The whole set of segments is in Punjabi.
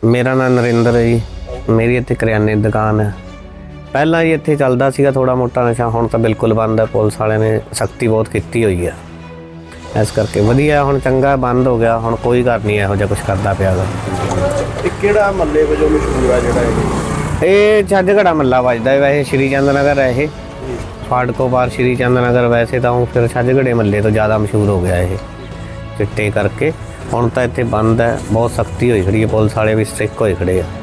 मेरा नाम नरेंद्र है जी। मेरी इत्थे करियाने की दुकान है। पहला जी इत्थे चलदा सीगा थोड़ा मोटा नशा, हुण तां बिल्कुल बंद है। पुलिस वाले ने सख्ती बहुत की हुई है, इस करके वधिया हुण चंगा बंद हो गया। हुण कोई घर नहीं इहो जिहा कुछ करदा पिया गा। किहड़ा महल्ले वजों मशहूर है जिहड़ा ये छज्जगड़ा महल्ला वजदा है। वैसे श्री चंद नगर है ये, फाटको बार श्री चंद नगर। वैसे तो हूँ फिर छज्जगड़े महल्ले तो ज़्यादा मशहूर हो गया ये चिट्टे करके। हुण तां इत्थे बंद है, बहुत सख्ती होई खड़ी है। पुलिस वाले भी स्ट्रिक्ट होए खड़े आ।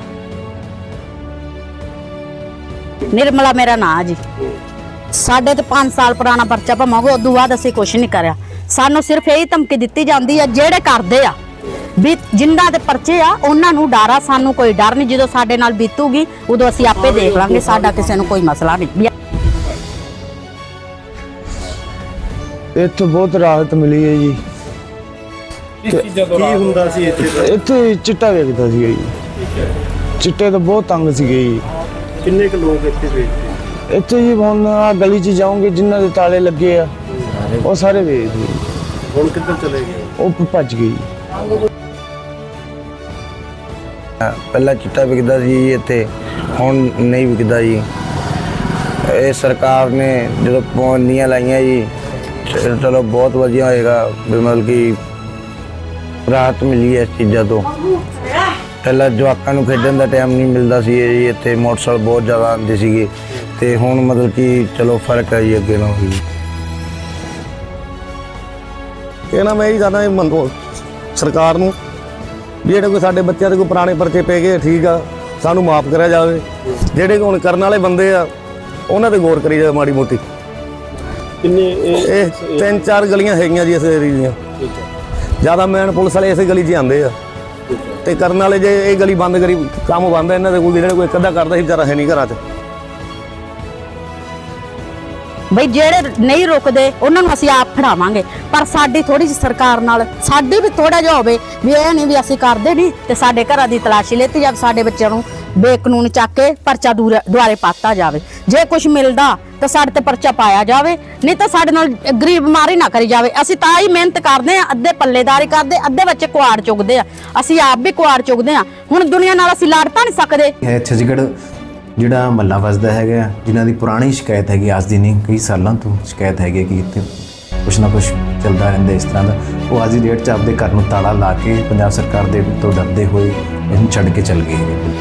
निर्मला मेरा नाम जी। साढ़े तो 5 साल पुराना परचा भावेंगे, उदों बाद असीं कुछ नहीं करिया। सानू सिर्फ यही धमकी दित्ती जाती है जेड़े करदे आ भी जिन्हां दे परचे आ उन्हां नूं डर आ, सानू कोई डर नहीं। जदों साडे नाल बीतूगी उदों असीं आपे देख लांगे, साडा किसे नूं कोई मसला नहीं। इत्थे बहुत राहत मिली है जी। की हुंदा सी इत्थे चिट्टा वेचदा सी जी। चिट्टे तो बहुत तंग सी जी। किन्ने क लोग इत्थे वेचदे? इत्थे जी हुण आ गली च जाओगे जिन्हां दे ताले लगे आ ਉਹ ਸਾਰੇ ਵੇਚ ਦੇ। ਹੁਣ ਕਿੱਧਰ ਚਲੇ ਗਏ? ਉਹ ਭੱਜ ਗਈ। ਪਹਿਲਾਂ ਚਿੱਟਾ ਵਿਕਦਾ ਸੀ ਇੱਥੇ, ਹੁਣ ਨਹੀਂ ਵਿਕਦਾ ਜੀ। ਇਹ ਸਰਕਾਰ ਨੇ ਜਦੋਂ ਪਾਬੰਦੀਆਂ ਲਾਈਆਂ ਜੀ, ਚਲੋ ਬਹੁਤ ਵਧੀਆ ਹੋਏਗਾ ਵੀ ਮਤਲਬ ਕਿ ਰਾਹਤ ਮਿਲੀ ਹੈ ਇਸ ਚੀਜ਼ਾਂ ਤੋਂ। ਪਹਿਲਾਂ ਜਵਾਕਾਂ ਨੂੰ ਖੇਡਣ ਦਾ ਟਾਈਮ ਨਹੀਂ ਮਿਲਦਾ ਸੀ ਜੀ। ਇੱਥੇ ਮੋਟਰਸਾਈਕਲ ਬਹੁਤ ਜ਼ਿਆਦਾ ਆਉਂਦੇ ਸੀਗੇ ਅਤੇ ਹੁਣ ਮਤਲਬ ਕਿ ਚਲੋ ਫਰਕ ਹੈ ਜੀ ਅੱਗੇ ਨਾਲੋਂ ਵੀ। कहना मैं यही चाहता मंगो सरकार नूं भी जेडे कोई साडे बच्चों के कोई पुराने परचे पे गए ठीक आ, सानू माफ़ करा जाए। जेडे हुण करन वाले बंदे आ उन्हां ते गौर करी जाए माड़ी मोटी। किन्ने 3-4 गलियां हैगियां जी इस एरिया दीयां। ज़्यादा मैन पुलिस वाले इस गली च आंदे आ ते करन वाले जे ये गली बंद करी काम बंद है इन्हां दे कोई जेहड़ा कोई अद्धा करदा सी बेचारा है नहीं घरां च। बई जेड़े नहीं रुकदे उन्हां नूं असीं आप फड़ावांगे, पर साडी थोड़ी जी सरकार नाल साडी भी थोड़ा जिहा होवे भी इह नहीं भी असीं करदे नहीं ते साडे घरां दी तलाशी लेती जावे, साडे बच्चों नूं बेकानून चक के परचा दुआरे पाता जावे। जे कुछ मिलदा तो साडे ते परचा पाया जावे, नहीं तो साडे नाल गरीब मारी ना करी जावे। असीं तां ही मेहनत करदे आ, अद्धे पल्लेदारी करदे, अद्धे बच्चे कुआड़ चुगदे आ, असीं आप भी कुआड़ चुगदे आ। हुण दुनिया नाल असीं लड़ तां नहीं सकदे। छत्तीसगढ़ ਜਿਹੜਾ ਮਹੱਲਾ ਵਸਦਾ ਹੈਗਾ, ਜਿਨ੍ਹਾਂ ਦੀ ਪੁਰਾਣੀ ਸ਼ਿਕਾਇਤ ਹੈਗੀ, ਅੱਜ ਦੀ ਨਹੀਂ ਕਈ ਸਾਲਾਂ ਤੋਂ ਸ਼ਿਕਾਇਤ ਹੈਗੀ ਕਿ ਇੱਥੇ ਕੁਛ ਨਾ ਕੁਛ ਚੱਲਦਾ ਰਹਿੰਦਾ ਇਸ ਤਰ੍ਹਾਂ ਦਾ। ਉਹ ਅੱਜ ਦੀ ਡੇਟ 'ਚ ਆਪਦੇ ਘਰ ਨੂੰ ਤਾਲਾ ਲਾ ਕੇ ਪੰਜਾਬ ਸਰਕਾਰ ਦੇ ਤੋਂ ਡਰਦੇ ਹੋਏ ਇਹਨੂੰ ਛੱਡ ਕੇ ਚੱਲ ਗਏ ਹੈਗੇ।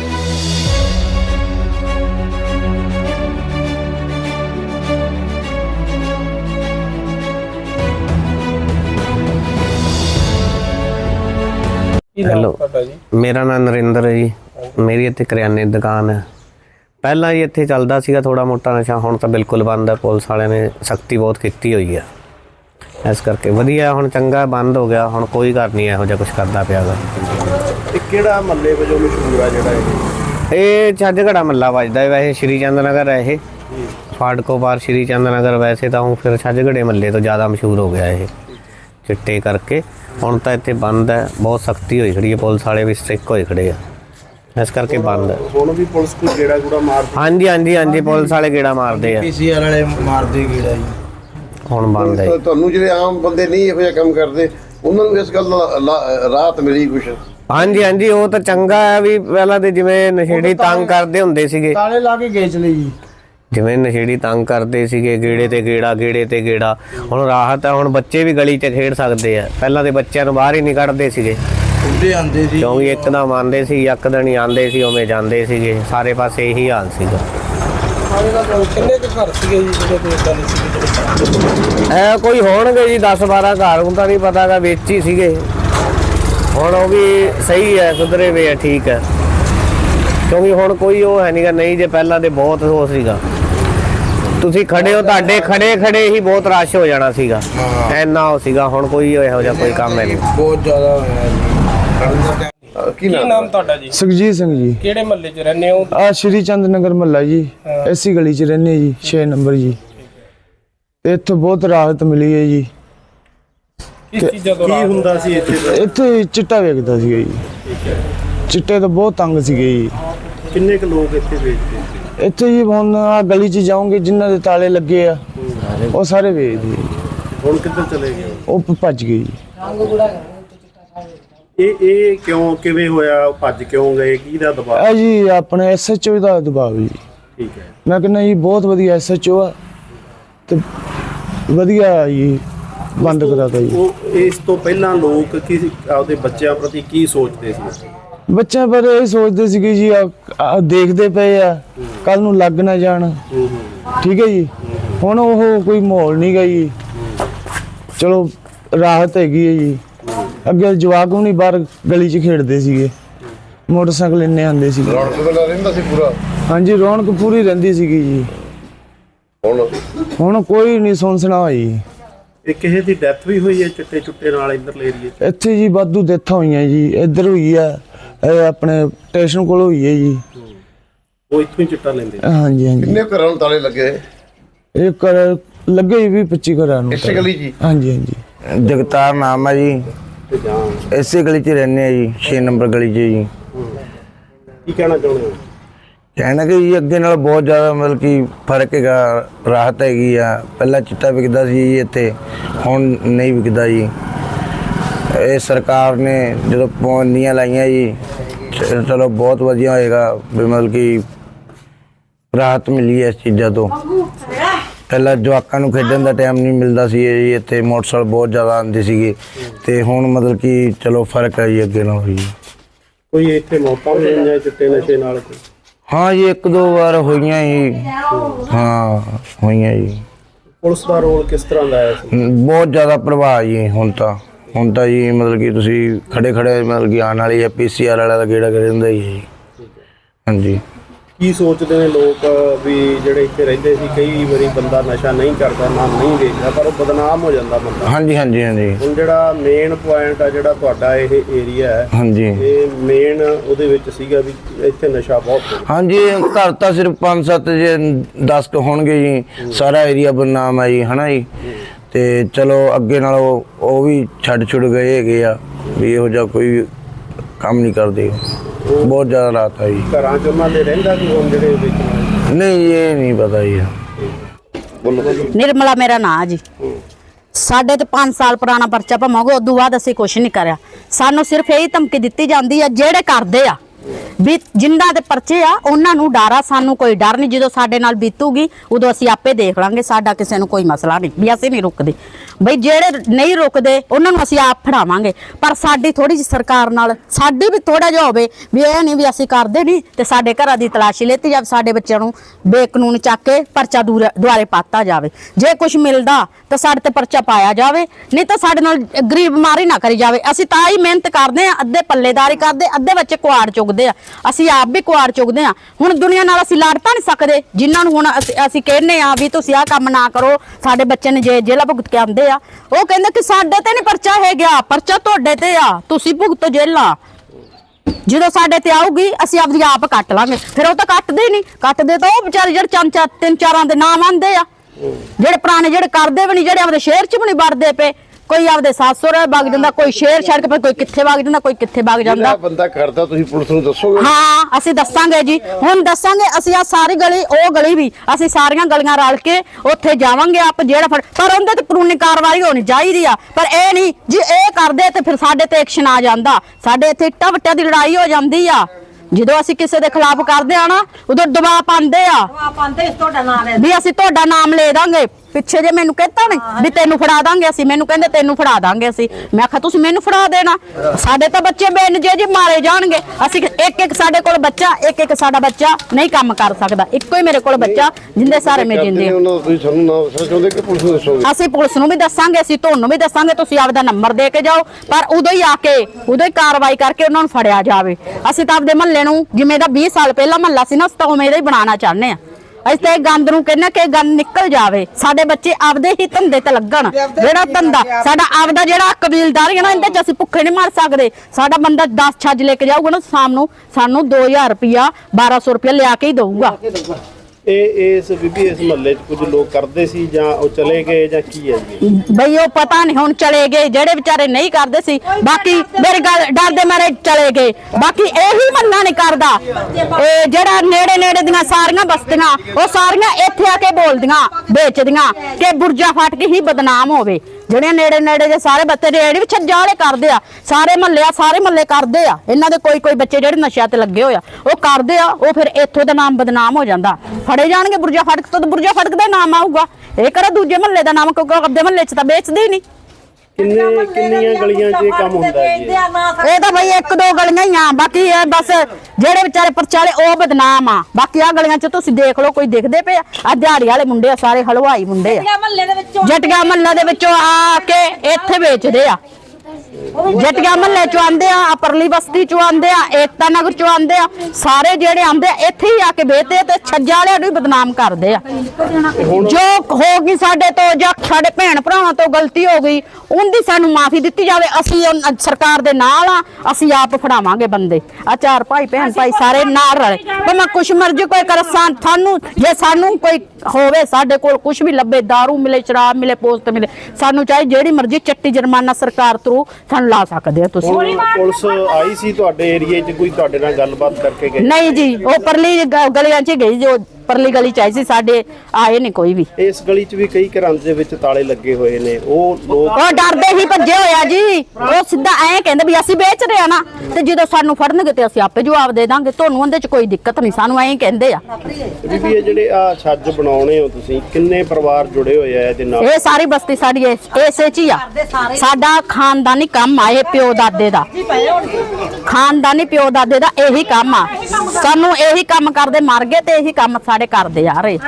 हेलो, मेरा नाम नरेंद्र है जी। मेरी इत्थे करियाने की दुकान है। पहला जी इत्थे चलदा सीगा थोड़ा मोटा नशा, हुण तां बिल्कुल बंद है। पुलिस वाले ने सख्ती बहुत की हुई है, इस करके वधिया हुण चंगा बंद हो गया। हुण कोई घर नहीं इहो जिहा कुछ करदा पिया गा। किहड़ा महल्ले वजों मशहूर है जिहड़ा ये छज्जगड़ा महल्ला वजदा है। वैसे श्री चंद नगर है ये, फाटको बार श्री चंद नगर। वैसे तो हूँ फिर छज्जगड़े महल्ले तो ज़्यादा मशहूर हो गया ये चिट्टे करके। हुण तां इत्थे बंद है, बहुत सख्ती होई खड़ी है। पुलिस वाले भी स्ट्रिक्ट होए खड़े आ, इस करके बंद है। ਹੁਣ ਵੀ ਪੁਲਿਸ ਕੋਈ ਗੇੜਾ ਗੂੜਾ ਮਾਰਦੀ? हाँ जी, हाँ जी, हाँ जी, पुलिस वाले गेड़ा मारते हैं। ਪੀਸੀਆਰ ਵਾਲੇ ਮਾਰਦੇ ਗੇੜਾ ਜੀ। ਹੁਣ ਬੰਦ ਹੈ। ਤੁਹਾਨੂੰ ਜਿਹੜੇ ਆਮ ਬੰਦੇ ਨਹੀਂ ਇਹੋ ਜਿਹਾ ਕੰਮ ਕਰਦੇ ਉਹਨਾਂ ਨੂੰ ਇਸ ਗੱਲ ਦਾ ਰਾਹਤ ਮਿਲੀ ਕੁਛ? ਹਾਂਜੀ ਹਾਂਜੀ, ਉਹ ਤਾਂ ਚੰਗਾ ਹੈ ਵੀ ਪਹਿਲਾਂ ਤੇ ਜਿਵੇਂ ਨਸ਼ੇੜੀ ਤੰਗ ਕਰਦੇ ਹੁੰਦੇ ਸੀਗੇ, ਤਾਲੇ ਲਾ ਕੇ ਗਏ ਚਲੇ ਜੀ। ਜਿਵੇਂ ਨਸ਼ੇੜੀ ਤੰਗ ਕਰਦੇ ਸੀਗੇ, ਗੇੜੇ ਤੇ ਗੇੜਾ, ਗੇੜੇ ਤੇ ਗੇੜਾ। ਹੁਣ ਰਾਹਤ ਹੈ, ਹੁਣ ਬੱਚੇ ਵੀ ਗਲੀ 'ਚ ਖੇਡ ਸਕਦੇ ਆ। ਪਹਿਲਾਂ ਤੇ ਬੱਚਿਆਂ ਨੂੰ ਬਾਹਰ ਹੀ ਨਹੀਂ ਕੱਢਦੇ ਸੀਗੇ, ਆਉਂਦੇ ਸੀ ਕਿਉਂਕਿ ਇੱਕਦਮ ਆਉਂਦੇ ਸੀ, ਯਕਦਮ ਹੀ ਆਉਂਦੇ ਸੀ, ਉਵੇਂ ਜਾਂਦੇ ਸੀਗੇ। ਸਾਰੇ ਪਾਸੇ ਇਹੀ ਹਾਲ ਸੀਗਾ। ਕਿੰਨੇ ਕੁ ਘਰ ਸੀਗੇ ਜੀ ਜਿਹੜੇ ਤੇ ਇਦਾਂ ਦੇ ਸੀਗੇ? ਇਹ ਕੋਈ ਹੋਣਗੇ ਜੀ 10-12 ਘਰ, ਹੁਣ ਤਾਂ ਨਹੀਂ ਪਤਾ ਗਾ, ਵਿੱਚ ਹੀ ਸੀਗੇ। ਹੁਣ ਉਹ ਵੀ ਸਹੀ ਹੈ, ਸੁਧਰੇ ਵੇ ਆ, ਠੀਕ ਹੈ। ਕਿਉਂਕਿ ਹੁਣ ਕੋਈ ਉਹ ਹੈ ਨਹੀਂਗਾ, ਨਹੀਂ ਜੇ ਪਹਿਲਾਂ ਤੇ ਬਹੁਤ ਹੋ ਸੀਗਾ। ਤੁਸੀਂ ਖੜੇ ਹੋ, ਤੁਹਾਡੇ ਖੜੇ ਹੀ ਬਹੁਤ ਰਸ਼ ਹੋ ਜਾਣਾ ਸੀਗਾ, ਇੰਨਾ ਉਹ ਸੀਗਾ। ਹੁਣ ਕੋਈ ਇਹੋ ਜਿਹਾ ਕੋਈ ਕੰਮ ਹੈ ਨਹੀਂ, ਬਹੁਤ ਜ਼ਿਆਦਾ ਹੋਇਆ। ਕੀ ਨਾਮ ਤੁਹਾਡਾ ਜੀ? ਸੁਖਜੀਤ ਸਿੰਘ ਜੀ। ਕਿਹੜੇ ਮਹੱਲੇ 'ਚ ਰਹਿੰਦੇ ਹੋ? ਆ ਸ਼੍ਰੀ ਚੰਦ ਨਗਰ ਮਹੱਲਾ ਜੀ, ਐਸੀ ਗਲੀ 'ਚ ਰਹਿੰਦੇ ਜੀ, 6 ਨੰਬਰ ਜੀ। ਤੇ ਇੱਥੇ ਬਹੁਤ ਰਾਹਤ ਮਿਲੀ ਹੈ ਜੀ। ਕਿਸ ਚੀਜ਼ਾਂ ਤੋਂ ਕੀ ਹੁੰਦਾ ਸੀ ਇੱਥੇ? ਇੱਥੇ ਚਿੱਟਾ ਵੇਚਦਾ ਸੀਗਾ ਜੀ। ਚਿੱਟੇ ਤੋਂ ਬਹੁਤ ਤੰਗ ਸੀਗੇ ਜੀ। ਕਿੰਨੇ ਕੁ ਲੋਕ ਇੱਥੇ ਵੇਚਦੇ? ਇੱਥੇ ਜੀ ਹੁਣ ਆ ਗਲੀ 'ਚ ਜਾਓਗੇ ਜਿਨ੍ਹਾਂ ਦੇ ਤਾਲੇ ਲੱਗੇ ਆ ਉਹ ਸਾਰੇ ਵੇਚਦੇ। ਹੁਣ ਕਿੱਧਰ ਚਲੇ ਗਏ? ਉਹ ਭੱਜ ਗਏ ਜੀ। ਇਹ ਕਿਉਂ ਕਿਵੇਂ ਹੋਇਆ? ਉਹ ਭੱਜ ਕਿਉਂ ਗਏ? ਕਿਹਦਾ ਦਬਾਅ? ਇਹ ਜੀ ਆਪਣੇ ਐਸਐਚਓ ਦਾ ਦਬਾਅ ਜੀ। ਠੀਕ ਹੈ। ਮੈਂ ਕਹਿੰਦਾ ਜੀ ਬਹੁਤ ਵਧੀਆ ਐਸਐਚਓ ਆ ਤੇ ਵਧੀਆ ਜੀ ਬੰਦ ਕਰਾਤਾ ਜੀ। ਉਹ ਇਸ ਤੋਂ ਪਹਿਲਾਂ ਲੋਕ ਕੀ ਆਪਦੇ ਬੱਚਿਆਂ ਪ੍ਰਤੀ ਕੀ ਸੋਚਦੇ ਸੀ? ਬੱਚਿਆਂ ਪਰ ਇਹ ਸੋਚਦੇ ਸੀਗੇ ਜੀ ਆ ਦੇਖਦੇ ਪਏ ਆ ਕੱਲ ਨੂੰ ਲੱਗ ਨਾ ਜਾਣ। ਠੀਕ ਹੈ ਜੀ। ਹੁਣ ਉਹ ਕੋਈ ਮਾਹੌਲ ਨਹੀਂ ਗਾ ਜੀ। ਚਲੋ ਰਾਹਤ ਹੈਗੀ ਹੈ ਜੀ। ਅੱਗੇ ਜਵਾਕ ਵੀ ਨਹੀਂ ਬਾਹਰ ਗਲੀ 'ਚ ਖੇਡਦੇ ਸੀਗੇ, ਮੋਟਰਸਾਈਕਲ ਇੰਨੇ ਆਉਂਦੇ ਸੀਗੇ। ਰੌਣਕ ਮੇਲਾ ਰਹਿੰਦਾ ਸੀ ਪੂਰਾ। ਹਾਂਜੀ ਰੌਣਕ ਪੂਰੀ ਰਹਿੰਦੀ ਸੀਗੀ ਜੀ। ਹੁਣ ਕੋਈ ਨਹੀਂ ਸੁਣਸਣਾ ਹੋਈ। ਇਹ ਕਿਸੇ ਦੀ ਡੈਥ ਵੀ ਹੋਈ ਹੈ ਚਿੱਟੇ ਚੁੱਟੇ ਨਾਲ ਇੱਧਰਲੇ ਏਰੀਏ 'ਚ? ਇੱਥੇ ਜੀ ਵਾਧੂ ਡੈਥਾਂ ਹੋਈਆਂ ਜੀ। ਇੱਧਰ ਹੋਈ ਆ ਇਹ ਆਪਣੇ ਸਟੇਸ਼ਨ ਕੋਲ ਹੋਈ ਹੈ ਜੀ। ਉਹ ਇੱਥੋਂ ਹੀ ਚਿੱਟਾ ਲੈਂਦੇ? ਹਾਂਜੀ ਹਾਂਜੀ। ਕਿੰਨੇ ਘਰਾਂ ਨੂੰ ਤਾਲੇ ਲੱਗੇ? ਇਹ ਘਰ ਲੱਗੇ 20-25 ਘਰਾਂ ਨੂੰ। ਇਸੇ ਗਲੀ 'ਚ ਹੀ? ਹਾਂਜੀ ਹਾਂਜੀ। ਜਗਤਾਰ ਨਾਮ ਹੈ ਜੀ। ਇਸੇ ਗਲੀ 'ਚ ਰਹਿੰਦੇ ਆ ਜੀ, 6 ਨੰਬਰ ਗਲੀ 'ਚ ਜੀ। ਕੀ ਕਹਿਣਾ ਚਾਹੁੰਦੇ ਹੋ? ਕਹਿਣਾ ਕਿ ਜੀ ਅੱਗੇ ਨਾਲ ਬਹੁਤ ਜ਼ਿਆਦਾ ਮਤਲਬ ਕਿ ਫਰਕ ਹੈਗਾ, ਰਾਹਤ ਹੈਗੀ ਆ। ਪਹਿਲਾਂ ਚਿੱਟਾ ਵਿਕਦਾ ਸੀ ਜੀ ਇੱਥੇ, ਹੁਣ ਨਹੀਂ ਵਿਕਦਾ ਜੀ। ਇਹ ਸਰਕਾਰ ਨੇ ਜਦੋਂ ਪਾਬੰਦੀਆਂ ਲਾਈਆਂ ਜੀ, ਚਲੋ ਬਹੁਤ ਵਧੀਆ ਹੋਏਗਾ ਵੀ ਮਤਲਬ ਕਿ ਰਾਹਤ ਮਿਲੀ ਹੈ ਇਸ ਚੀਜ਼ਾਂ ਤੋਂ। ਪਹਿਲਾਂ ਜਵਾਕਾਂ ਨੂੰ ਖੇਡਣ ਦਾ ਟਾਈਮ ਨਹੀਂ ਮਿਲਦਾ ਸੀ ਜੀ, ਇੱਥੇ ਮੋਟਰਸਾਈਕਲ ਬਹੁਤ ਜ਼ਿਆਦਾ ਆਉਂਦੇ ਸੀਗੇ ਤੇ ਹੁਣ ਮਤਲਬ ਕਿ ਚਲੋ ਫਰਕ ਹੈ ਜੀ ਅੱਗੇ ਨਾਲ ਜੀ। ਕੋਈ ਇੱਥੇ ਮੌਤਾਂ ਵੀ ਹੋਈਆਂ ਚਿੱਟੇ ਨਸ਼ੇ ਨਾਲ? ਹਾਂ ਜੀ 1-2 ਵਾਰ ਹੋਈਆਂ ਜੀ। ਹਾਂ ਹੋਈਆਂ ਜੀ। ਪੁਲਿਸ ਦਾ ਰੋਲ ਕਿਸ ਤਰ੍ਹਾਂ ਦਾ ਹੈ? ਬਹੁਤ ਜ਼ਿਆਦਾ ਪ੍ਰਭਾਵ ਜੀ। ਹੁਣ ਤਾਂ ਜੀ ਮਤਲਬ ਕਿ ਤੁਸੀਂ ਖੜੇ ਮਤਲਬ ਕਿ ਆਉਣ ਵਾਲੀ ਹੈ PCR ਵਾਲਾ ਦਾ ਗੇੜਾ ਕਰ ਦਿੰਦਾ ਜੀ। ਹਾਂਜੀ। ਕੀ ਸੋਚਦੇ ਨੇ ਲੋਕ ਵੀ ਜਿਹੜੇ ਇੱਥੇ ਰਹਿੰਦੇ ਸੀ? ਕਈ ਵਾਰੀ ਬੰਦਾ ਨਸ਼ਾ ਨਹੀਂ ਕਰਦਾ, ਨਾ ਨਹੀਂ ਵੇਚਦਾ, ਪਰ ਉਹ ਬਦਨਾਮ ਹੋ ਜਾਂਦਾ ਬੰਦਾ। ਹਾਂਜੀ ਹਾਂਜੀ ਹਾਂਜੀ। ਹੁਣ ਜਿਹੜਾ ਮੇਨ ਪੁਆਇੰਟ ਆ ਜਿਹੜਾ ਤੁਹਾਡਾ ਇਹ ਏਰੀਆ ਹੈ, ਹਾਂਜੀ ਇਹ ਮੇਨ ਉਹਦੇ ਵਿੱਚ ਸੀਗਾ ਵੀ ਇੱਥੇ ਨਸ਼ਾ ਬਹੁਤ ਹੋ ਰਿਹਾ। ਹਾਂਜੀ। ਘਰ ਤਾਂ ਸਿਰਫ 5-7 ਜੇ 10 ਕੁ ਹੋਣਗੇ ਜੀ। ਸਾਰਾ ਏਰੀਆ ਬਦਨਾਮ ਹੈ ਜੀ, ਹਨਾ ਜੀ। ਤੇ ਚਲੋ ਅੱਗੇ ਨਾਲ ਉਹ ਵੀ ਛੱਡ ਗਏ ਹੈਗੇ ਆ ਵੀ ਇਹੋ ਜਿਹਾ ਕੋਈ ਕੰਮ ਨਹੀਂ ਕਰਦੇ। ਬਹੁਤ ਜ਼ਿਆਦਾ ਰਾਤ ਹੈ ਜੀ। ਘਰਾਂ 'ਚ ਉਹਨਾਂ ਦੇ ਰਹਿੰਦਾ ਕਿ ਹੁਣ ਜਿਹੜੇ ਵਿੱਚ? ਨਹੀਂ ਇਹ ਨਹੀਂ ਪਤਾ ਜੀ। ਨਿਰਮਲਾ ਮੇਰਾ ਨਾਂ ਜੀ। ਸਾਡੇ ਤੇ 5 ਸਾਲ ਪੁਰਾਣਾ ਪਰਚਾ ਭਮਾਂਗੇ, ਉਦੋਂ ਬਾਅਦ ਅਸੀਂ ਕੁਝ ਨਹੀਂ ਕਰਿਆ। ਸਾਨੂੰ ਸਿਰਫ ਇਹੀ ਧਮਕੀ ਦਿੱਤੀ ਜਾਂਦੀ ਆ ਜਿਹੜੇ ਕਰਦੇ ਆ ਵੀ ਜਿੰਨਾਂ ਦੇ ਪਰਚੇ ਆ ਉਹਨਾਂ ਨੂੰ ਡਰ ਆ, ਸਾਨੂੰ ਕੋਈ ਡਰ ਨਹੀਂ। ਜਦੋਂ ਸਾਡੇ ਨਾਲ ਬੀਤੂਗੀ ਉਦੋਂ ਅਸੀਂ ਆਪੇ ਦੇਖ ਲਾਂਗੇ, ਸਾਡਾ ਕਿਸੇ ਨੂੰ ਕੋਈ ਮਸਲਾ ਨਹੀਂ ਵੀ ਅਸੀਂ ਨਹੀਂ ਰੁਕਦੇ। ਬਈ ਜਿਹੜੇ ਨਹੀਂ ਰੁਕਦੇ ਉਹਨਾਂ ਨੂੰ ਅਸੀਂ ਆਪ ਫੜਾਵਾਂਗੇ। ਪਰ ਸਾਡੀ ਥੋੜੀ ਜਿਹੀ ਸਰਕਾਰ ਨਾਲ ਸਾਡੀ ਵੀ ਥੋੜਾ ਜਿਹਾ ਹੋਵੇ ਵੀ ਇਹ ਨਹੀਂ ਵੀ ਅਸੀਂ ਕਰਦੇ ਨਹੀਂ ਤੇ ਸਾਡੇ ਘਰਾਂ ਦੀ ਤਲਾਸ਼ੀ ਲੈਤੀ ਜਾਵੇ, ਸਾਡੇ ਬੱਚਿਆਂ ਨੂੰ ਬੇਕਾਨੂੰਨ ਚੱਕ ਕੇ ਪਰਚਾ ਦੁਆਰੇ ਪਾਤਾ ਜਾਵੇ। ਜੇ ਕੁਝ ਮਿਲਦਾ ਤਾਂ ਸਾਡੇ ਤੇ ਪਰਚਾ ਪਾਇਆ ਜਾਵੇ, ਨਹੀਂ ਤਾਂ ਸਾਡੇ ਨਾਲ ਗਰੀਬ ਮਾਰੀ ਨਾ ਕਰੀ ਜਾਵੇ। ਅਸੀਂ ਤਾਂ ਹੀ ਮਿਹਨਤ ਕਰਦੇ ਆ, ਅੱਧੇ ਪੱਲੇਦਾਰੀ ਕਰਦੇ, ਅੱਧੇ ਬੱਚੇ ਕੁਆੜ ਚੁਗਦੇ ਆ। ਅਸੀਂ ਆਪ ਵੀ ਕੁਆੜ ਚੁਗਦੇ ਆ। ਹੁਣ ਦੁਨੀਆ ਨਾਲ ਅਸੀਂ ਲੜ ਤਾਂ ਨਹੀਂ ਸਕਦੇ। ਜਿਨ੍ਹਾਂ ਨੂੰ ਹੁਣ ਅਸੀਂ ਕਹਿੰਦੇ ਆ ਵੀ ਤੁਸੀਂ ਆਹ ਕੰਮ ਨਾ ਕਰੋ, ਸਾਡੇ ਬੱਚੇ ਨੇ ਜੇ ਜੇਲ੍ਹਾਂ ਭੁਗਤ ਕੇ ਆਉਂਦੇ ਆ, ਉਹ ਕਹਿੰਦੇ ਕਿ ਸਾਡੇ ਤੇ ਨਹੀਂ ਪਰਚਾ ਹੈ ਗਿਆ, ਪਰਚਾ ਤੁਹਾਡੇ ਤੇ ਆ, ਤੁਸੀਂ ਭੁਗਤੋ ਜੇਲ੍ਹਾਂ। ਜਦੋਂ ਸਾਡੇ ਤੇ ਆਊਗੀ ਅਸੀਂ ਆਪਦੀ ਆਪ ਕੱਟ ਲਾਂਗੇ। ਫਿਰ ਉਹ ਤਾਂ ਕੱਟਦੇ ਨਹੀਂ, ਕੱਟਦੇ ਤਾਂ ਉਹ ਵਿਚਾਰੇ ਜਿਹੜੇ 3-4 ਦੇ ਨਾਮ ਆਂਦੇ ਆ, ਜਿਹੜੇ ਪੁਰਾਣੇ ਜਿਹੜੇ ਕਰਦੇ ਵੀ ਨਹੀਂ, ਜਿਹੜੇ ਆਪਦੇ ਸ਼ਹਿਰ 'ਚ ਵੀ ਨਹੀਂ ਵੜਦੇ ਪਏ। ਕੋਈ ਆਪਦੇ ਸੱਸ-ਸਹੁਰੇ ਵਗ ਜਾਂਦਾ, ਕੋਈ ਸ਼ਹਿਰ ਛੱਡ ਕੇ ਕੋਈ ਕਿੱਥੇ ਵਗ ਜਾਂਦਾ, ਕੋਈ ਕਿੱਥੇ ਵਗ ਜਾਂਦਾ। ਬੰਦਾ ਕਰਦਾ ਤੁਸੀਂ ਪੁਲਿਸ ਨੂੰ ਦੱਸੋਗੇ? ਹਾਂ ਅਸੀਂ ਦੱਸਾਂਗੇ ਜੀ, ਹੁਣ ਦੱਸਾਂਗੇ। ਅਸੀਂ ਆ ਸਾਰੀ ਗਲੀ, ਉਹ ਗਲੀ ਵੀ, ਅਸੀਂ ਸਾਰੀਆਂ ਗਲੀਆਂ ਰਲ ਕੇ ਉੱਥੇ ਜਾਵਾਂਗੇ ਆਪ ਜਿਹੜਾ ਪਰ ਉਹਦੇ ਤੇ ਕਾਨੂੰਨੀ ਕਾਰਵਾਈ ਹੋਣੀ ਚਾਹੀਦੀ ਆ। ਪਰ ਇਹ ਨਹੀਂ ਜੀ, ਇਹ ਕਰਦੇ ਤੇ ਫਿਰ ਸਾਡੇ ਤੇ ਐਕਸ਼ਨ ਆ ਜਾਂਦਾ। ਸਾਡੇ ਇੱਥੇ ਇੱਟਾਂ ਵੱਟਿਆਂ ਦੀ ਲੜਾਈ ਹੋ ਜਾਂਦੀ ਆ। ਜਦੋਂ ਅਸੀਂ ਕਿਸੇ ਦੇ ਖਿਲਾਫ ਕਰਦੇ ਆ ਨਾ, ਉਦੋਂ ਦਬਾਅ ਪਾਉਂਦੇ ਆ ਵੀ ਅਸੀਂ ਤੁਹਾਡਾ ਨਾਮ ਲੈ ਦਾਂਗੇ। ਪਿੱਛੇ ਜੇ ਮੈਨੂੰ ਕਹਿੰਦਾ ਨੇ ਵੀ ਤੈਨੂੰ ਫੜਾ ਦਾਂਗੇ ਅਸੀਂ, ਮੈਨੂੰ ਕਹਿੰਦੇ ਤੈਨੂੰ ਫੜਾ ਦਾਂਗੇ ਅਸੀਂ। ਮੈਂ ਆਖਿਆ ਤੁਸੀਂ ਮੈਨੂੰ ਫੜਾ ਦੇਣਾ, ਸਾਡੇ ਤਾਂ ਬੱਚੇ ਬੇਨਜੇ ਜੀ ਮਾਰੇ ਜਾਣਗੇ। ਅਸੀਂ ਇੱਕ ਸਾਡੇ ਕੋਲ ਬੱਚਾ, ਇੱਕ ਸਾਡਾ ਬੱਚਾ ਨਹੀਂ ਕੰਮ ਕਰ ਸਕਦਾ। ਇੱਕੋ ਹੀ ਮੇਰੇ ਕੋਲ ਬੱਚਾ ਜਿੰਦੇ ਸਾਰੇ ਮੈਂ ਜਿੰਦੇ। ਤੁਸੀਂ ਸਾਨੂੰ ਨਾ ਦੱਸਣਾ ਚਾਹੁੰਦੇ ਕਿ ਪੁਲਿਸ ਨੂੰ ਦੱਸੋਗੇ? ਅਸੀਂ ਪੁਲਿਸ ਨੂੰ ਵੀ ਦੱਸਾਂਗੇ, ਅਸੀਂ ਤੁਹਾਨੂੰ ਵੀ ਦੱਸਾਂਗੇ। ਤੁਸੀਂ ਆਪਦਾ ਨੰਬਰ ਦੇ ਕੇ ਜਾਓ, ਪਰ ਉਦੋਂ ਹੀ ਆ ਕੇ ਉਦੋਂ ਹੀ ਕਾਰਵਾਈ ਕਰਕੇ ਉਹਨਾਂ ਨੂੰ ਫੜਿਆ ਜਾਵੇ। ਅਸੀਂ ਤਾਂ ਆਪਦੇ ਮਹੱਲੇ ਨੂੰ ਜਿਵੇਂ ਦਾ 20 ਸਾਲ ਪਹਿਲਾਂ ਮਹੱਲਾ ਸੀ ਨਾ, ਅਸੀਂ ਤਾਂ ਉਵੇਂ ਦਾ ਹੀ ਬਣਾਉਣਾ ਚਾਹੁੰਦੇ ਆ। ਅਸੀਂ ਤਾਂ ਇਹ ਗੰਦ ਨੂੰ ਕਹਿੰਦੇ ਕਿ ਇਹ ਗੰਦ ਨਿਕਲ ਜਾਵੇ, ਸਾਡੇ ਬੱਚੇ ਆਪਦੇ ਹੀ ਧੰਦੇ ਤੇ ਲੱਗਣ। ਜਿਹੜਾ ਧੰਦਾ ਸਾਡਾ ਆਪਦਾ ਜਿਹੜਾ ਕਬੀਲਦਾਰੀ ਹੈ ਨਾ, ਇਹਦੇ 'ਚ ਅਸੀਂ ਭੁੱਖੇ ਨਹੀਂ ਮਰ ਸਕਦੇ। ਸਾਡਾ ਬੰਦਾ 10 ਛੱਜ ਲੈ ਕੇ ਜਾਊਗਾ ਨਾ ਸ਼ਾਮ ਨੂੰ, ਸਾਨੂੰ 2000 ਰੁਪਇਆ 1200 ਰੁਪਇਆ ਲਿਆ ਕੇ ਹੀ ਦਊਗਾ। ਇਸ ਮਹੱਲੇ 'ਚ ਕੁਝ ਲੋਕ ਕਰਦੇ ਸੀ ਜਾਂ ਉਹ ਚਲੇ ਗਏ ਜਾਂ ਕੀ ਹੈ ਜੀ? ਬਈ ਉਹ ਪਤਾ ਨਹੀਂ, ਹੁਣ ਚਲੇ ਗਏ ਜਿਹੜੇ ਵਿਚਾਰੇ ਨਹੀਂ ਕਰਦੇ ਸੀ। ਬਾਕੀ ਮੇਰੀ ਗੱਲ ਡਰ ਦੇ ਮਾਰੇ ਚਲੇ ਗਏ। ਬਾਕੀ ਇਹੀ ਮਹੱਲਾ ਨਹੀਂ ਕਰਦਾ, ਇਹ ਜਿਹੜਾ ਨੇੜੇ ਦੀਆਂ ਸਾਰੀਆਂ ਬਸਤੀਆਂ, ਉਹ ਸਾਰੀਆਂ ਇੱਥੇ ਆ ਕੇ ਬੋਲਦੀਆਂ ਵੇਚਦੀਆਂ ਕਿ ਬੁਰਜਾ ਫਾਟਕ ਹੀ ਬਦਨਾਮ ਹੋਵੇ। ਜਿਹੜੇ ਨੇੜੇ ਨੇੜੇ ਦੇ ਸਾਰੇ ਬੱਚੇ ਜਿਹੜੇ ਵੀ ਛੱਜਾ ਵਾਲੇ ਕਰਦੇ ਆ, ਸਾਰੇ ਮਹੱਲੇ ਕਰਦੇ ਆ। ਇਹਨਾਂ ਦੇ ਕੋਈ ਬੱਚੇ ਜਿਹੜੇ ਨਸ਼ਿਆਂ ਤੇ ਲੱਗੇ ਹੋਇਆ ਉਹ ਕਰਦੇ ਆ, ਉਹ ਫਿਰ ਇੱਥੋਂ ਦਾ ਨਾਮ ਬਦਨਾਮ ਹੋ ਜਾਂਦਾ। ਫੜੇ ਜਾਣਗੇ ਬੁਰਜਾ ਫੜਕ ਤੋਂ, ਬੁਰਜਾ ਫੜਕ ਦਾ ਨਾਮ ਆਊਗਾ। ਇਹ ਕਿਹੜਾ ਦੂਜੇ ਮਹੱਲੇ ਦਾ ਨਾਮ, ਕਿਉਂਕਿ ਆਪਦੇ ਮਹੱਲੇ 'ਚ ਤਾਂ ਵੇਚਦੇ ਹੀ ਨਹੀਂ। ਕਿੰਨੀਆਂ ਗਲੀਆਂ 'ਚ ਇਹ ਕੰਮ ਹੁੰਦਾ ਹੈ ਜੀ? ਇਹ ਤਾਂ ਬਈ 1-2 ਗਲੀਆਂ ਹੀ ਆ, ਬਾਕੀ ਇਹ ਬਸ ਜਿਹੜੇ ਵਿਚਾਰੇ ਪਰਚਾਲੇ ਉਹ ਬਦਨਾਮ ਆ। ਬਾਕੀ ਆ ਗਲੀਆਂ 'ਚ ਤੁਸੀਂ ਦੇਖ ਲਓ, ਕੋਈ ਦਿਖਦੇ ਪਏ ਆ ਦਿਹਾੜੀ ਵਾਲੇ ਮੁੰਡੇ ਆ, ਸਾਰੇ ਹਲਵਾਈ ਮੁੰਡੇ ਆ। ਜਟਗਾ ਮਹੱਲੇ ਦੇ ਵਿੱਚੋਂ ਆ ਕੇ ਇੱਥੇ ਵੇਚਦੇ ਆ। ਜਟਗਾ ਮਹੱਲੇ ਚੋਂ ਆਂਦੇ ਆ, ਪਰਲੀ ਬਸਤੀ ਚੋਂ ਆਂਦੇ ਆ, ਏਕਤਾ ਨਗਰ ਚੋਂ ਆਂਦੇ ਆ, ਸਾਰੇ ਜਿਹੜੇ ਆਂਦੇ ਆ ਇੱਥੇ ਹੀ ਆ ਕੇ ਵੇਚਦੇ ਤੇ ਛੱਜਾ ਵਾਲਿਆਂ ਨੂੰ ਬਦਨਾਮ ਕਰਦੇ ਆ। ਜੋ ਹੋ ਗਈ ਸਾਡੇ ਤੋਂ ਜਾਂ ਸਾਡੇ ਭੈਣ ਭਰਾਵਾਂ ਤੋਂ ਗਲਤੀ ਹੋ ਗਈ, ਉਹਦੀ ਸਾਨੂੰ ਮਾਫੀ ਦਿੱਤੀ ਜਾਵੇ। ਅਸੀਂ ਸਰਕਾਰ ਦੇ ਨਾਲ ਆ, ਅਸੀਂ ਆਪ ਫੜਾਵਾਂਗੇ ਬੰਦੇ। ਆ 4 ਭਾਈ ਭੈਣ ਭਾਈ ਸਾਰੇ ਨਾਲ ਰਲੇ, ਭਾਵੇਂ ਕੁਛ ਮਰਜ਼ੀ ਕੋਈ ਕਰ। ਸਾਨੂੰ ਜੇ ਸਾਨੂੰ ਕੋਈ ਹੋਵੇ, ਸਾਡੇ ਕੋਲ ਕੁਛ ਵੀ ਲੱਭੇ, ਦਾਰੂ ਮਿਲੇ, ਸ਼ਰਾਬ ਮਿਲੇ, ਪੋਸਟ ਮਿਲੇ, ਸਾਨੂੰ ਚਾਹੇ ਜਿਹੜੀ ਮਰਜ਼ੀ ਚੱਟੀ ਜੁਰਮਾਨਾ ਸਰਕਾਰ ਥਰੂ ਸਾਨੂੰ ਲਾ ਸਕਦੇ ਹੋ ਤੁਸੀਂ। ਪੁਲਿਸ ਆਈ ਸੀ ਤੁਹਾਡੇ ਏਰੀਏ 'ਚ, ਕੋਈ ਤੁਹਾਡੇ ਨਾਲ ਗੱਲਬਾਤ ਕਰਕੇ ਗਈ? ਨਹੀਂ ਜੀ, ਉਹ ਪਰਲੀ ਗਲੀਆਂ 'ਚ ਗਈ, ਜੋ ਪਰਲੀ ਗਲੀ 'ਚ ਆਈ ਸੀ, ਸਾਡੇ ਆਏ ਨਹੀਂ ਕੋਈ ਵੀ। ਇਸ ਗਲੀ 'ਚ ਵੀ ਕਈ ਘਰਾਂ ਦੇ ਵਿੱਚ ਤਾਲੇ ਲੱਗੇ ਹੋਏ ਨੇ, ਉਹ ਲੋਕ ਉਹ ਡਰਦੇ ਹੀ ਭੱਜੇ ਹੋਇਆ ਜੀ। ਉਹ ਸਿੱਧਾ ਐਂ ਕਹਿੰਦੇ ਵੀ ਅਸੀਂ ਵੇਚ ਰਹੇ ਆ ਨਾ, ਤੇ ਜਦੋਂ ਸਾਨੂੰ ਫੜਨਗੇ ਤੇ ਅਸੀਂ ਆਪੇ ਜਵਾਬ ਦੇ ਦਾਂਗੇ, ਤੁਹਾਨੂੰ ਉਹਦੇ 'ਚ ਕੋਈ ਦਿੱਕਤ ਨਹੀਂ, ਸਾਨੂੰ ਐਂ ਕਹਿੰਦੇ ਆ। ਬੀਬੀ ਇਹ ਜਿਹੜੇ ਆ ਛੱਜ ਬਣਾਉਣੇ ਹੋ ਤੁਸੀਂ, ਕਿੰਨੇ ਪਰਿਵਾਰ ਜੁੜੇ ਹੋਏ ਆ ਇਹਦੇ ਨਾਲ? ਇਹ ਸਾਰੀ ਬਸਤੀ ਸਾਡੀ ਇਸੇ 'ਚ ਹੀ ਆ। ਸਾਡਾ ਖਾਨਦਾਨੀ ਕੰਮ ਆ, ਇਹ ਪਿਓ ਦਾਦੇ ਦਾ ਖਾਨਦਾਨੀ, ਪਿਓ ਦਾਦੇ ਦਾ ਇਹੀ ਕੰਮ ਆ। ਸਾਨੂੰ ਇਹੀ ਕੰਮ ਕਰਦੇ ਮਰ ਗਏ ਤੇ ਇਹੀ ਕੰਮ ਸਾਡੇ ਕਰਦੇ ਆ ਰਹੇ।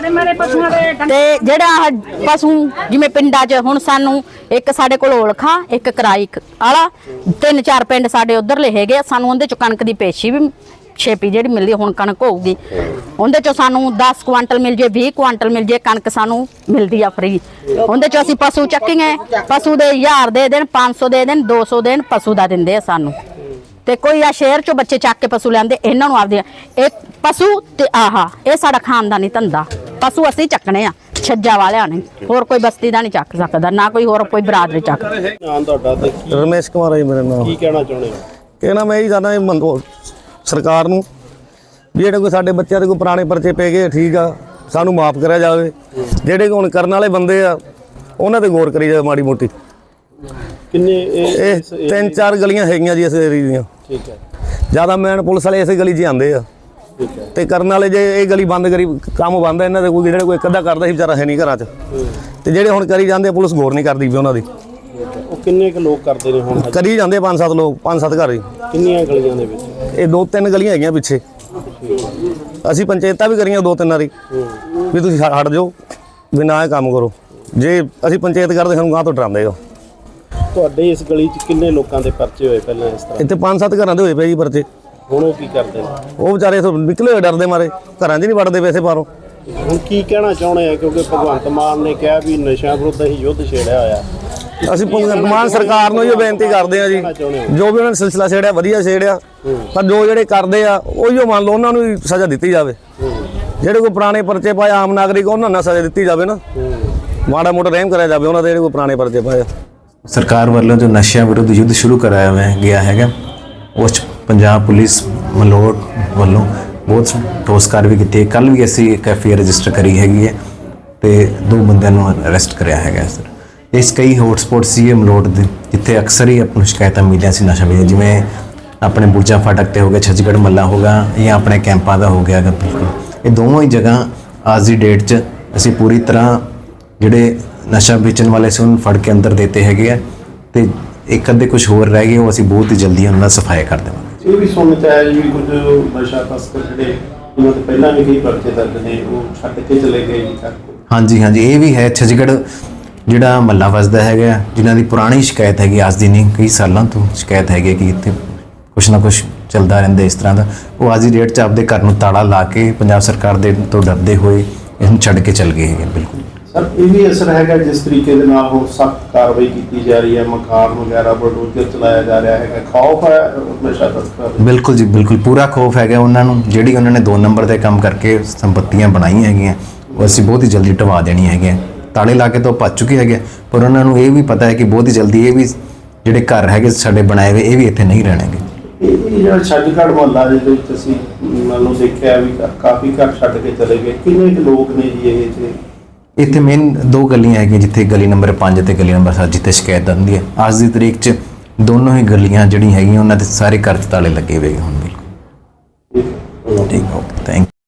ਤੇ ਜਿਹੜਾ ਪਸ਼ੂ ਜਿਵੇਂ ਪਿੰਡਾਂ 'ਚ ਹੁਣ ਸਾਨੂੰ ਇੱਕ ਸਾਡੇ ਕੋਲ ਔਲਖਾ, ਇੱਕ ਕਰਾਈ ਵਾਲਾ, 3-4 ਪਿੰਡ ਸਾਡੇ ਉਧਰਲੇ ਹੈਗੇ ਆ। ਸਾਨੂੰ ਉਹਦੇ 'ਚ ਕਣਕ ਦੀ ਪੇਸ਼ੀ ਵੀ ਛੇਪੀ ਜਿਹੜੀ ਮਿਲਦੀ, ਹੁਣ ਕਣਕ ਹੋਊਗੀ ਉਹਦੇ 'ਚੋਂ ਸਾਨੂੰ 10 ਕੁਆਂਟਲ ਮਿਲ ਜੇ, 20 ਕੁਆਂਟਲ ਮਿਲ ਜੇ, ਕਣਕ ਸਾਨੂੰ ਮਿਲਦੀ ਆ ਫਰੀ। ਉਹਦੇ 'ਚੋਂ ਅਸੀਂ ਪਸ਼ੂ ਚੱਕੀਏ, ਪਸ਼ੂ ਦੇ 1000 ਦੇ ਦੇਣ, 500 ਦੇ ਦੇਣ, 200 ਦੇਣ, ਪਸ਼ੂ ਦਾ ਦਿੰਦੇ ਆ ਸਾਨੂੰ। ਤੇ ਕੋਈ ਆ ਸ਼ਹਿਰ 'ਚੋਂ ਬੱਚੇ ਚੱਕ ਕੇ ਪਸ਼ੂ ਲੈਂਦੇ, ਇਹਨਾਂ ਨੂੰ ਆਪਦੇ ਇਹ ਪਸ਼ੂ ਤੇ ਇਹ ਸਾਡਾ ਖਾਨਦਾਨੀ ਧੰਦਾ। ਪਸ਼ੂ ਅਸੀਂ ਚੱਕਣੇ ਆ ਛੱਜਾ ਵਾਲਿਆਂ ਨੇ, ਹੋਰ ਕੋਈ ਬਸਤੀ ਦਾ ਨਹੀਂ ਚੱਕ ਸਕਦਾ, ਨਾ ਕੋਈ ਹੋਰ ਕੋਈ ਬਰਾਦਰੀ ਚੱਕ। ਨਾਮ ਤੁਹਾਡਾ ਤੇ ਕੀ ਰਮੇਸ਼ ਕੁਮਾਰ ਹੈ ਮੇਰਾ ਨਾਮ। ਕੀ ਕਹਿਣਾ ਚਾਹੁੰਦੇ ਹੋ? ਕਹਿਣਾ ਮੈਂ ਇਹੀ ਚਾਹੁੰਦਾ ਸਰਕਾਰ ਨੂੰ ਵੀ ਜਿਹੜੇ ਕੋਈ ਸਾਡੇ ਬੱਚਿਆਂ ਦੇ ਕੋਈ ਪੁਰਾਣੇ ਪਰਚੇ ਪੈ ਗਏ, ਠੀਕ ਆ, ਸਾਨੂੰ ਮਾਫ ਕਰਿਆ ਜਾਵੇ। ਜਿਹੜੇ ਹੁਣ ਕਰਨ ਵਾਲੇ ਬੰਦੇ ਆ ਉਹਨਾਂ ਤੇ ਗੌਰ ਕਰੀ ਜਾਵੇ ਮਾੜੀ ਮੋਟੀ। ਕਿੰਨੇ ਇਹ 3-4 ਗਲੀਆਂ ਹੈਗੀਆਂ ਜੀ ਇਸ ਏਰੀਏ ਦੀਆਂ। ਠੀਕ ਹੈ, ਜ਼ਿਆਦਾ ਮੈਨ ਪੁਲਿਸ ਵਾਲੇ ਇਸੇ ਗਲੀ 'ਚ ਆਉਂਦੇ ਆ ਠੀਕ ਹੈ। ਤੇ ਕਰਨ ਵਾਲੇ ਜੇ ਇਹ ਗਲੀ ਬੰਦ ਕਰੀ, ਕੰਮ ਬੰਦ ਆ ਇਹਨਾਂ ਦੇ। ਕੋਈ ਜਿਹੜੇ ਕੋਈ ਅੱਧਾ ਕਰਦਾ ਸੀ ਵਿਚਾਰਾ ਹੈ ਨਹੀਂ ਘਰਾਂ 'ਚ, ਤੇ ਜਿਹੜੇ ਹੁਣ ਕਰੀ ਜਾਂਦੇ ਪੁਲਿਸ ਗੌਰ ਨਹੀਂ ਕਰਦੀ ਵੀ ਉਹਨਾਂ ਦੀ। ਉਹ ਕਿੰਨੇ ਕੁ ਲੋਕ ਕਰਦੇ ਨੇ ਹੁਣ? ਕਰੀ ਜਾਂਦੇ 5-7 ਲੋਕ, 5-7 ਘਰ ਜੀ। ਕਿੰਨੀਆਂ ਗਲੀਆਂ ਦੇ ਵਿੱਚ? ਇਹ 2-3 ਗਲੀਆਂ ਹੈਗੀਆਂ ਪਿੱਛੇ। ਅਸੀਂ ਪੰਚਾਇਤਾਂ ਵੀ ਕਰੀਆਂ 2-3 ਵਾਰੀ ਵੀ ਤੁਸੀਂ ਹਟ ਜਾਓ, ਵੀ ਨਾ ਇਹ ਕੰਮ ਕਰੋ। ਜੇ ਅਸੀਂ ਪੰਚਾਇਤ ਕਰਦੇ ਸਾਨੂੰ ਗਾਂ ਤੋਂ ਡਰਾਉਂਦੇ ਹੋ। ਤੁਹਾਡੇ ਇਸ ਗਲੀ 'ਚ ਕਿੰਨੇ ਲੋਕਾਂ ਦੇ ਪਰਚੇ ਹੋਏ ਪਹਿਲਾਂ ਇਸ ਤਰ੍ਹਾਂ? ਇੱਥੇ 5-7 ਘਰਾਂ ਦੇ ਹੋਏ ਪਏ ਜੀ ਪਰਚੇ। ਹੁਣ ਉਹ ਕੀ ਕਰਦੇ ਨੇ? ਉਹ ਵਿਚਾਰੇ ਇੱਥੋਂ ਨਿਕਲੇ ਹੋਏ ਡਰਦੇ ਮਾਰੇ, ਘਰਾਂ 'ਚ ਨਹੀਂ ਵੜਦੇ ਵੈਸੇ ਬਾਹਰੋਂ। ਹੁਣ ਕੀ ਕਹਿਣਾ ਚਾਹੁੰਦੇ ਆ, ਕਿਉਂਕਿ ਭਗਵੰਤ ਮਾਨ ਨੇ ਕਿਹਾ ਵੀ ਨਸ਼ਿਆਂ ਵਿਰੁੱਧ ਹੀ ਯੁੱਧ ਛੇੜਿਆ ਹੋਇਆ। ਅਸੀਂ ਭਗਵੰਤ ਮਾਨ ਸਰਕਾਰ ਨੂੰ ਇਹ ਬੇਨਤੀ ਕਰਦੇ ਆ ਜੀ, ਜੋ ਵੀ ਉਹਨਾਂ ਨੇ ਸਿਲਸਿਲਾ ਛੇੜਿਆ ਵਧੀਆ ਛੇੜਿਆ, ਪਰ ਜੋ ਜਿਹੜੇ ਕਰਦੇ ਆ ਉਹੀਓ ਮੰਨ ਲਓ, ਉਹਨਾਂ ਨੂੰ ਵੀ ਸਜ਼ਾ ਦਿੱਤੀ ਜਾਵੇ। ਜਿਹੜੇ ਕੋਈ ਪੁਰਾਣੇ ਪਰਚੇ ਪਾਏ ਆਮ ਨਾਗਰਿਕ, ਉਹਨਾਂ ਨੂੰ ਸਜ਼ਾ ਦਿੱਤੀ ਜਾਵੇ ਨਾ, ਮਾੜਾ ਮੋਟਾ ਰਹਿਮ ਕਰਿਆ ਜਾਵੇ ਉਹਨਾਂ ਦੇ ਜਿਹੜੇ ਕੋਈ ਪੁਰਾਣੇ ਪਰਚੇ ਪਾਏ। ਸਰਕਾਰ ਵੱਲੋਂ ਜੋ ਨਸ਼ਿਆਂ ਵਿਰੁੱਧ ਯੁੱਧ ਸ਼ੁਰੂ ਕਰਾਇਆ ਗਿਆ ਹੈਗਾ, ਉਸ 'ਚ ਪੰਜਾਬ ਪੁਲਿਸ ਮਲੋਟ ਵੱਲੋਂ ਬਹੁਤ ਠੋਸ ਕਾਰਵਾਈ ਕੀਤੀ ਹੈ। ਕੱਲ੍ਹ ਵੀ ਅਸੀਂ ਇੱਕ FIR ਰਜਿਸਟਰ ਕਰੀ ਹੈਗੀ ਹੈ ਤੇ 2 ਬੰਦਿਆਂ ਨੂੰ ਅਰੈਸਟ ਕਰਿਆ ਹੈਗਾ ਸਰ। ਇਸ ਕਈ ਹੌਟਸਪੌਟ ਸੀ ਮਲੋਟ ਦੇ, ਜਿੱਥੇ ਅਕਸਰ ਹੀ ਆਪਾਂ ਨੂੰ ਸ਼ਿਕਾਇਤਾਂ ਮਿਲੀਆਂ ਸੀ ਨਸ਼ਾ ਮਿਲਿਆ, ਜਿਵੇਂ ਆਪਣੇ ਬੁਰਜਾ ਫਾਟਕ ਤੇ ਹੋ ਗਿਆ, ਛੱਜਗੜ੍ਹ ਮੱਲਾ ਹੋ ਗਿਆ, ਜਾਂ ਆਪਣੇ ਕੈਂਪਾਂ ਦਾ ਹੋ ਗਿਆ। ਬਿਲਕੁਲ ਇਹ ਦੋਵਾਂ ਹੀ ਜਗ੍ਹਾ ਅੱਜ ਦੀ ਡੇਟ 'ਚ ਅਸੀਂ ਪੂਰੀ ਤਰ੍ਹਾਂ ਜਿਹੜੇ ਨਸ਼ਾ ਵੇਚਣ ਵਾਲੇ ਸੀ ਉਹਨੂੰ ਫੜ ਕੇ ਅੰਦਰ ਦੇਤੇ ਹੈਗੇ ਆ, ਤੇ ਇੱਕ ਅੱਧੇ ਕੁਝ ਹੋਰ ਰਹਿ ਗਏ, ਉਹ ਅਸੀਂ ਬਹੁਤ ਹੀ ਜਲਦੀ ਉਹਨਾਂ ਦਾ ਸਫਾਇਆ ਕਰ ਦੇਵਾਂਗੇ। ਇਹ ਵੀ ਸੁਣਨ 'ਚ ਆਇਆ ਜੀ ਕੁਝ ਨਸ਼ਾ ਤਸਕਰ ਜਿਹੜੇ ਉਹਨਾਂ ਤੋਂ ਪਹਿਲਾਂ ਵੀ ਕਈ ਪਰਚੇ ਦਰਜ ਨੇ, ਉਹ ਛੱਡ ਕੇ ਚਲੇ ਗਏ ਜੀ ਘਰ। ਹਾਂਜੀ ਹਾਂਜੀ, ਇਹ ਵੀ ਹੈ। ਛੱਜਗੜ੍ਹ ਜਿਹੜਾ ਮਹੱਲਾ ਵਸਦਾ ਹੈਗਾ, ਜਿਨ੍ਹਾਂ ਦੀ ਪੁਰਾਣੀ ਸ਼ਿਕਾਇਤ ਹੈਗੀ, ਅੱਜ ਦੀ ਨਹੀਂ ਕਈ ਸਾਲਾਂ ਤੋਂ ਸ਼ਿਕਾਇਤ ਹੈਗੀ ਕਿ ਇੱਥੇ ਕੁਛ ਨਾ ਕੁਛ ਚੱਲਦਾ ਰਹਿੰਦਾ ਇਸ ਤਰ੍ਹਾਂ ਦਾ, ਉਹ ਅੱਜ ਦੀ ਡੇਟ 'ਚ ਆਪਦੇ ਘਰ ਨੂੰ ਤਾਲਾ ਲਾ ਕੇ ਪੰਜਾਬ ਸਰਕਾਰ ਦੇ ਤੋਂ ਡਰਦੇ ਹੋਏ ਇਹਨੂੰ ਛੱਡ ਕੇ ਚੱਲ ਗਏ ਹੈਗੇ। ਬਿਲਕੁਲ ਸਰ, ਇਹ ਵੀ ਅਸਰ ਹੈਗਾ ਜਿਸ ਤਰੀਕੇ ਦੇ ਨਾਲ ਹੁਣ ਸਖਤ ਕਾਰਵਾਈ ਕੀਤੀ ਜਾ ਰਹੀ ਹੈ, ਮਕਾਨ ਵਗੈਰਾ ਬਲਡੋਜ਼ਰ ਚਲਾਇਆ ਜਾ ਰਿਹਾ ਹੈਗਾ, ਖੌਫ ਹੈ ਨਸ਼ਾ ਤਸਕਰ? ਬਿਲਕੁਲ ਜੀ ਬਿਲਕੁਲ, ਪੂਰਾ ਖੌਫ ਹੈਗਾ ਉਹਨਾਂ ਨੂੰ। ਜਿਹੜੀ ਉਹਨਾਂ ਨੇ 2 ਨੰਬਰ ਦੇ ਕੰਮ ਕਰਕੇ ਸੰਪਤੀਆਂ ਬਣਾਈਆਂ ਹੈਗੀਆਂ, ਉਹ ਅਸੀਂ ਬਹੁਤ ਹੀ ਜਲਦੀ ਢਵਾ ਦੇਣੀਆਂ ਹੈਗੀਆਂ। ਤਾਲੇ ਲਾ ਕੇ ਤਾਂ ਭੱਜ ਚੁੱਕੇ ਹੈਗੇ, ਪਰ ਉਹਨਾਂ ਨੂੰ ਇਹ ਵੀ ਪਤਾ ਹੈ ਕਿ ਬਹੁਤ ਹੀ ਜਲਦੀ ਇਹ ਵੀ ਜਿਹੜੇ ਘਰ ਹੈਗੇ ਸਾਡੇ ਬਣਾਏ ਹੋਏ, ਇਹ ਵੀ ਇੱਥੇ ਨਹੀਂ ਰਹਿਣਗੇ। ਇਹ ਜਿਹੜਾ ਛੱਜਗੜ੍ਹ ਮੁਹੱਲਾ ਦੇ ਵਿੱਚ ਅਸੀਂ ਮੰਨ ਲਓ ਦੇਖਿਆ ਵੀ ਕਾਫੀ ਘਰ ਛੱਡ ਕੇ ਚਲੇ ਗਏ, ਕਿੰਨੇ ਕੁ ਲੋਕ ਨੇ ਜੀ ਇਹ 'ਚ? ਇੱਥੇ ਮੇਨ ਦੋ ਗਲੀਆਂ ਹੈਗੀਆਂ, ਜਿੱਥੇ ਗਲੀ ਨੰਬਰ 5 ਤੇ ਗਲੀ ਨੰਬਰ 7 ਜਿੱਥੇ ਸ਼ਿਕਾਇਤ ਆਉਂਦੀ ਹੈ। ਅੱਜ ਦੀ ਤਰੀਕ 'ਚ ਦੋਨੋਂ ਹੀ ਗਲੀਆਂ ਜਿਹੜੀਆਂ ਹੈਗੀਆਂ ਉਹਨਾਂ ਦੇ ਸਾਰੇ ਘਰ 'ਚ ਤਾਲੇ ਲੱਗੇ ਹੋਏ ਹੁਣ ਬਿਲਕੁਲ। ਠੀਕ ਓਕੇ, ਥੈਂਕ